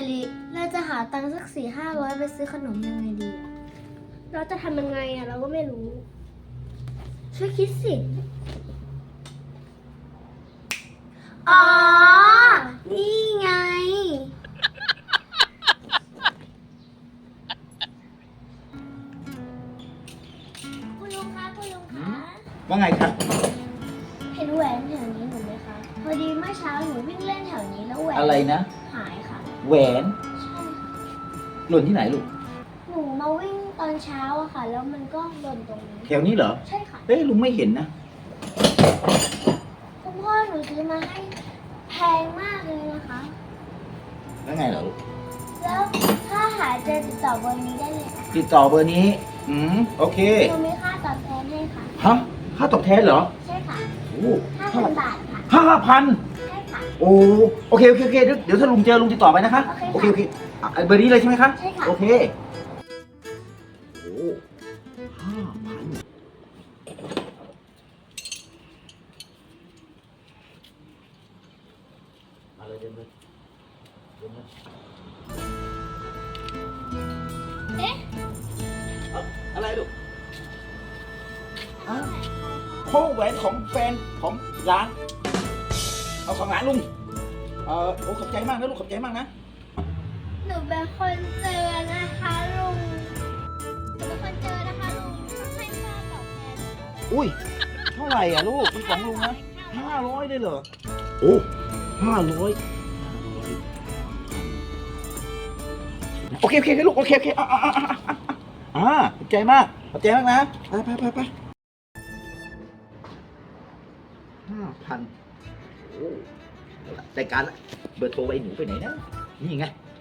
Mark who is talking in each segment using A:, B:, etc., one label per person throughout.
A: ลิเราจะหาตังค์สัก400-500ไปซื้อขนมยังไงดีอะเราจะทำยังไงอะเราก็ไม่รู้ ช่วยคิดสิ อ๋อ นี่ไง คุณลุงคะคุณลุงคะ
B: ว่าไงครับ
A: เห็นแหวนแถวนี้หนูไหมคะ พอดีเมื่อเช้าหนูวิ่งเล่นแถวนี้แล้วแหวน
B: อะไรนะ
A: หายค่ะ
B: แหวน
A: ใช่ค่ะ
B: หล่นที่ไหนลูก
A: หนูมาวิ่งตอนเช้าอะค่ะ แล้วมันก็หล่นตรงนี้
B: แถวนี้เหรอ
A: ใช่ค่ะ
B: เอ้ยลุงไม่เห็นนะ
A: คุณพ่อหนูซื้อมาให้แพงมากเลยนะคะ
B: แล้วไงเหรอลูก
A: แล้วถ้าหาเจอติดต่อเบอร์นี้ได้เลยค่ะ
B: ติดต่อเบอร์นี้ โอเค
A: หนูมีค่าตอบแทนให้ค่ะ
B: ฮะ ค่าตอบแทนเหรอ
A: ใช่ค่ะ
B: โอ้เท่าไหร่
A: 5,000 บาทค่ะ
B: 5,000
A: ใช่ค่ะ
B: โอ้โอเคเดี๋ยวถ้าลุงเจอลุงติดต่อไปนะคะ
A: โอเคค่ะ
B: โอเคอ่ะเบอร์นี้เลยใช่ไหมคะ
A: ใช่ค่ะ
B: โอเค โอ้5,000อะไรเดินเลยเดินเลย
A: เอ๊ะ
B: อะไรลูกข้อแหวนของแฟนของร้าน เอาของร้านลุง โอ้ขอบใจมากนะลูกขอบใจมากนะ
A: หนูเป็นคนเจอนะคะลุง หนูเป็นคนเจอนะคะลุงให้ค่าตอบแทน
B: อุ้ย เท่าไหร่อ่ะลูกเป็นของลุงนะ500ได้เหรอ โอ้500โอเคลูกโอเคขอบใจมากขอบใจมากนะไป5,000โอ้รายการละเบอร์โทรไอ้หนูไปไหนนะนี่ไง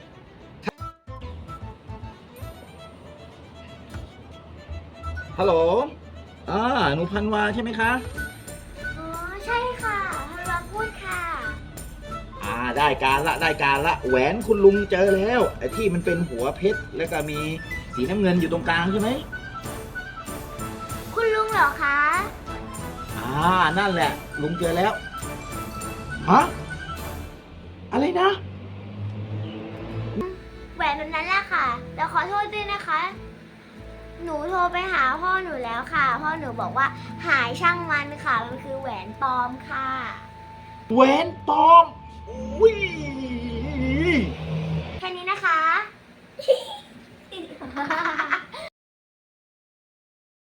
B: ฮัลโหลหนูพันวาใช่ไหมคะ
A: อ๋อ ใช่ค่ะฮัลโหลพูดค่ะ
B: ได้การละแหวนคุณลุงเจอแล้วไอ้ที่มันเป็นหัวเพชรแล้วก็มีสีน้ำเงินอยู่ตรงกลางใช่ไหม
A: คุณลุงเหรอคะ
B: นั่นแหละลุงเจอแล้วฮะอะไรนะ
A: แหวนแบบนั้นแหละค่ะแต่ขอโทษด้วยนะคะ หนูโทรไปหาพ่อหนูแล้วค่ะ พ่อหนูบอกว่าหายช่างมันค่ะ มันคือแหวนปลอมค่ะ
B: แหวนปลอมอุ้ย
A: แค่นี้นะคะ